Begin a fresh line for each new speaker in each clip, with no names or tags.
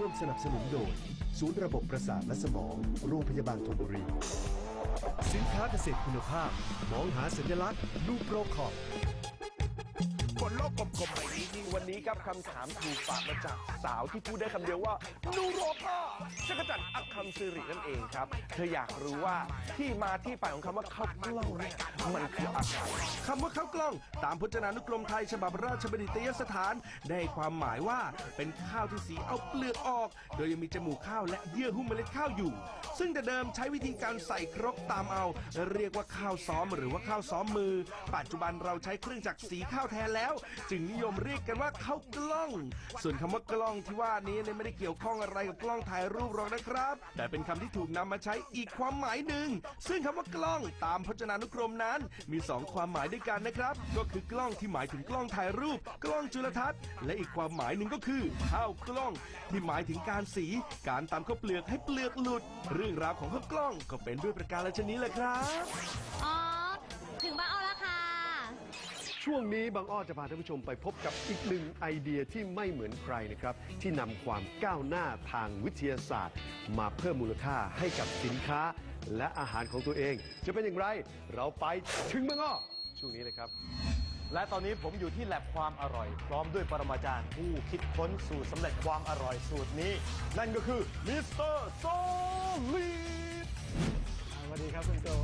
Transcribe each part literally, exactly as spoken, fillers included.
มสนับสนุนโดยศูนย์ระบบประสาทและสมองโรงพยาบาลธนบุรีสินค้าเกษตรคุณภาพมองหาสัญลักษณ์นูโปรคอป
บนโลกกลมๆใบนี้ที่วันนี้ครับคำถามถูกฝากมาจากสาวที่พูดได้คำเดียวว่านูโรพ่อจักรจันทร์อัคคำสิรินั่นเองครับเธออยากรู้ว่าที่มาที่ไปของคำว่าข้าวกล้องเนี่ยมันคืออะไรคำว่าข้าวกล้องตามพจนานุกรมไทยฉบับราชบัณฑิตยสถานได้ความหมายว่าเป็นข้าวที่สีเอาเปลือกออกโดยยังมีจมูกข้าวและเยื่อหุ้มเมล็ดข้าวอยู่ซึ่งแต่เดิมใช้วิธีการใส่ครกตามเอาเรียกว่าข้าวซ้อมหรือว่าข้าวซ้อมมือปัจจุบันเราใช้เครื่องจักรสีข้าวแทนแล้วจึงนิยมเรียกกันว่าข้าวกล้องส่วนคำว่ากล้องที่ว่านี้เนี่ยไม่ได้เกี่ยวข้องอะไรกับกล้องถ่ายรูปหรอกนะครับแต่เป็นคำที่ถูกนำมาใช้อีกความหมายหนึ่งซึ่งคำว่ากล้องตามพจนานุกรมนั้นมีสองความหมายด้วยกันนะครับก็คือกล้องที่หมายถึงกล้องถ่ายรูปกล้องจุลทรรศน์และอีกความหมายหนึ่งก็คือข้าวกล้องที่หมายถึงการสีการตำข้าวเปลือกให้เปลือกหลุดเรื่องราวของข้าวกล้องก็เป็นด้วยประการชนิดแหละครับ
อ๋อถึงบ้านอ้อแล้วค่ะ
ช่วงนี้บางอ้อจะพาท่านผู้ชมไปพบกับอีกหนึ่งไอเดียที่ไม่เหมือนใครนะครับที่นำความก้าวหน้าทางวิทยาศาสตร์มาเพิ่มมูลค่าให้กับสินค้าและอาหารของตัวเองจะเป็นอย่างไรเราไปถึงบางอ้อช่วงนี้เลยครับ
และตอนนี้ผมอยู่ที่แลบความอร่อยพร้อมด้วยปรมาจารย์ผู้คิดค้นสูตรสำเร็จความอร่อยสูตรนี้นั่นก็คือมิสเตอร์โซลีด
สวัสดีครับคุณโจ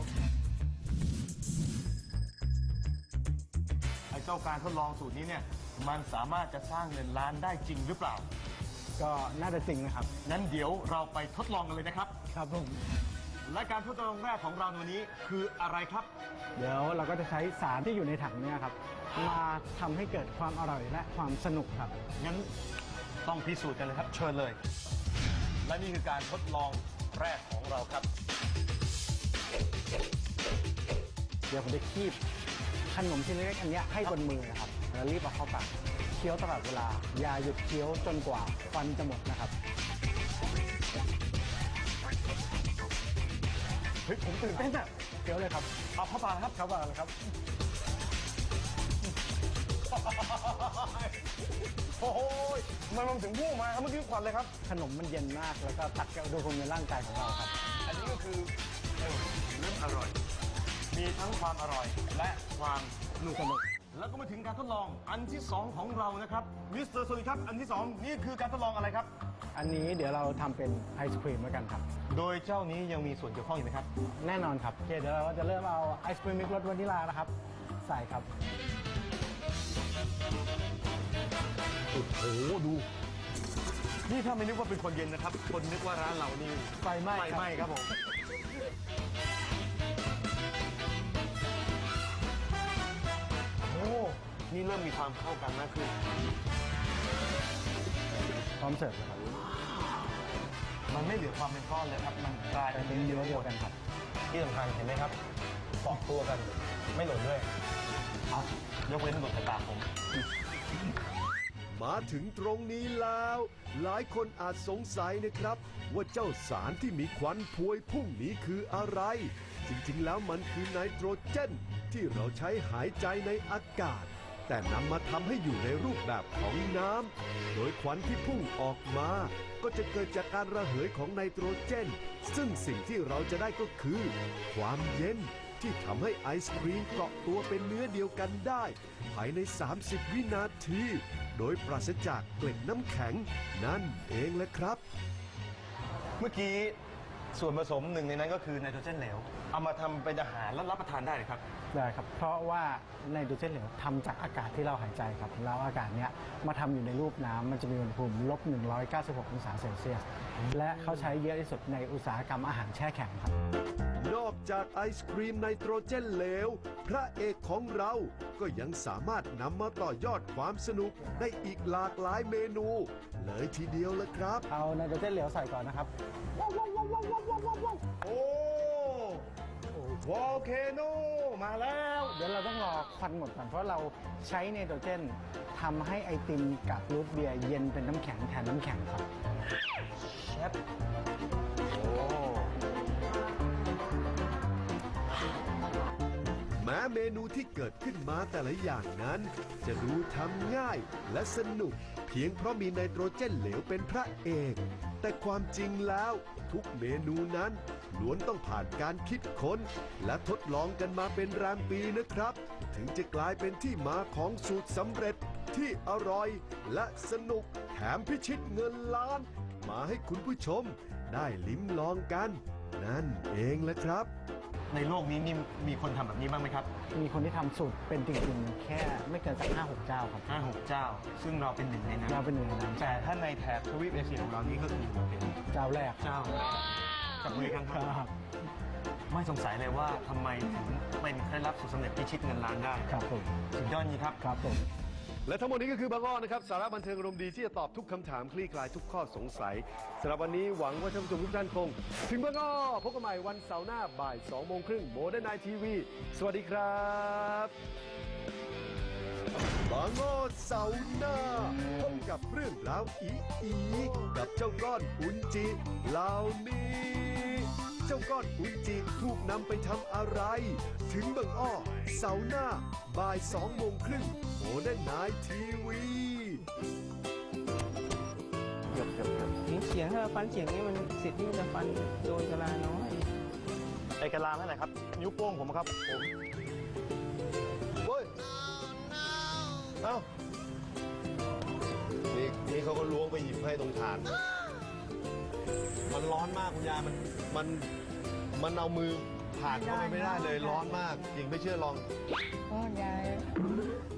ไอ้เจ้าการทดลองสูตรนี้เนี่ยมันสามารถจะสร้างเงินล้านได้จริงหรือเปล่า
ก็น่าจะจริงนะครับ
งั้นเดี๋ยวเราไปทดลองกันเลยนะครับ
ครับผม
และการทดลองแรกของเราในวันนี้คืออะไรครับ
เดี๋ยวเราก็จะใช้สารที่อยู่ในถังนี้ครับมาทำให้เกิดความอร่อยและความสนุกครับ
งั้นต้องพิสูจน์กันเลยครับเชิญเลยและนี่คือการทดลองแรกของเราครับ
เดี๋ยวผมจะคีบขนมชิ้นเล็กอันนี้ให้บนมือนะครับแล้วรีบเอาเข้าปากเคี้ยวตลอดเวลาอย่าหยุดเคี้ยวจนกว่าฟันจะหมดนะครับ
เฮ้ยผมตื่นเต้นอะ
เคี้ยวเลยครับ
เอาเข้าปากครับ
เข้าปากเลยครับ
โอ้โหมันมันถึงพุ่งมาครับเมื่อกี้ควันเลยครับ
ขนมมันเย็นมากแล้วก็ตัดกับอุณหภูมิในร่างกายของเราครับ
อันนี้ก็คือเรื่องอร่อยมีทั้งความอร่อยและความ
สนุกสนุก
แล้วก็มาถึงการทดลองอันที่สองของเรานะครับมิสเตอร์โซลีครับอันที่สองนี่คือการทดลองอะไรครับ
อันนี้เดี๋ยวเราทำเป็นไอศครีมแล้วกันครับ
โดยเจ้านี้ยังมีส่วนเกี่ยวข้องอยู่ไหมครับ
แน่นอนครับโอเคเดี๋ยวเราจะเริ่มเอาไอศครีมมิกรสวานิลานะครับใส่ครับ
โอ้โหดูนี่ถ้าไม่นึกว่าเป็นคนเย็นนะครับคนนึกว่าร้านเรานี่
ไฟไหม้
ไฟไหม้ครับผมโอ้นี่เริ่มมีความเข้ากันมากขึ้น
พร้อมเสิร์ฟแล้วครับ
มันไม่เหลือความเป็นก้อนเลยครับมันกลาย
เป็นเนื้อเดียวกันครับ
ที่สำคัญเห็นไหมครับเกาะตัวกันไม่หล่นด้วยยกเว้นหลุดสายตาผม
มาถึงตรงนี้แล้วหลายคนอาจสงสัยนะครับว่าเจ้าสารที่มีควันพวยพุ่งนี้คืออะไรจริงๆแล้วมันคือไนโตรเจนที่เราใช้หายใจในอากาศแต่นำมาทำให้อยู่ในรูปแบบของน้ำโดยควันที่พุ่งออกมาก็จะเกิดจากการระเหยของไนโตรเจนซึ่งสิ่งที่เราจะได้ก็คือความเย็นที่ทำให้ไอศครีมเกาะตัวเป็นเนื้อเดียวกันได้ภายในสามสิบวินาทีโดยปราศจากเกล็ดน้ำแข็งนั่นเองแหละครับ
เมื่อกี้ส่วนผสมหนึ่งในนั้นก็คือไนโตรเจนเหลวเอามาทำเป็นอาหารแล้วรับประทานได้เลยครับ
ได้ครับเพราะว่าไนโตรเจนเหลวทำจากอากาศที่เราหายใจครับแล้วอากาศเนี้ยมาทำอยู่ในรูปน้ำมันจะมีอุณหภูมิลบหนึ่งร้อยเก้าสิบหกองศาเซลเซียสและเขาใช้เยอะที่สุดในอุตสาหกรรมอาหารแช่แข็งครับ
นอกจากไอศครีมไนโตรเจนเหลวพระเอกของเราก็ยังสามารถนำมาต่อยอดความสนุกได้อีกหลากหลายเมนูเลยทีเดียวละครับ
เอาไนโตรเจนเหลวใส่ก่อนนะครับ
โอ้วอลเคโนมาแล้ว
เดี๋ยวเราต้องรอควันหมดก่อนเพราะเราใช้ไนโตรเจนทำให้ไอติมกับรูทเบียร์เย็นเป็นน้ำแข็งแทนน้ำแข็งครับ
เชฟโอ้
แม้เมนูที่เกิดขึ้นมาแต่ละอย่างนั้น จะดูทำง่ายและสนุก เพียงเพราะมีไนโตรเจนเหลวเป็นพระเอก แต่ความจริงแล้วทุกเมนูนั้นล้วนต้องผ่านการคิดค้น และทดลองกันมาเป็นแรมปีนะครับ ถึงจะกลายเป็นที่มาของสูตรสำเร็จที่อร่อยและสนุกแถมพิชิตเงินล้าน มาให้คุณผู้ชมได้ลิ้มลองกัน นั่นเองแหละครับ
ในโลกนี้นี่มีคนทำแบบนี้บ้างไหมครับ
มีคนที่ทำสูตรเป็นจริงๆแค่ไม่เกินสักห้าหกเจ้าครับ
ห้าหกเจ้า ซึ่งเราเป็นหนึ่งในนั้น
เราเป็นหนึ่งในนั้น
แต่ถ้าในแถบทวีปเอเชียของเรานี่ก็คือเป็น
เจ้าแรก
เจ้าจับมือกันครับ
ครับ
ไม่สงสัยเลยว่าทำไมถึงเป็นเคล็ดลับสูตรสำเร็จพิชิตเงินล้านได้
ครับผม
สุดยอดจริงครับ
ครับผม
และทั้งหมดนี้ก็คือบางอ้อนะครับสาระบันเทิงอารมณ์ดีที่จะตอบทุกคำถามคลี่คลายทุกข้อสงสัยสำหรับวันนี้หวังว่าท่านผู้ชมทุกท่านคง ถึงบางอ้อพบกันใหม่วันเสาร์หน้าบ่ายสองโมงครึ่งโมเดิร์นไนทีวีสวัสดีครับ
บางอ้อเสาร์หน้าพบกับเรื่องราวอีอีกับเจ้าก้อนอุนจิเหล่านี้ เจ้าก้อนอุนจิถูกนำไปทำอะไร ถึงบางอ้อเสาร์หน้าบ่ายสองโมงครึ่งโมเดิร์นไนทีวี
ทิ้งเฉียงถ้าเราฟันเฉียงนี่มันสิทธิ์ที่จะฟันโดนกะลาน้อย
ไอกระลานั่นแหละครับ นิ้วโป้งผมครับผม
เฮ้ย เอ้า นี่นี่เขาก็ล้วงไปหยิบให้ตรงฐาน มันร้อนมากคุณยาย มัน มัน มันเอามือผ่านเข้าไปไม่ได้เลย ร้อนมาก จริงไม่เชื่อลอง
ก็ยาย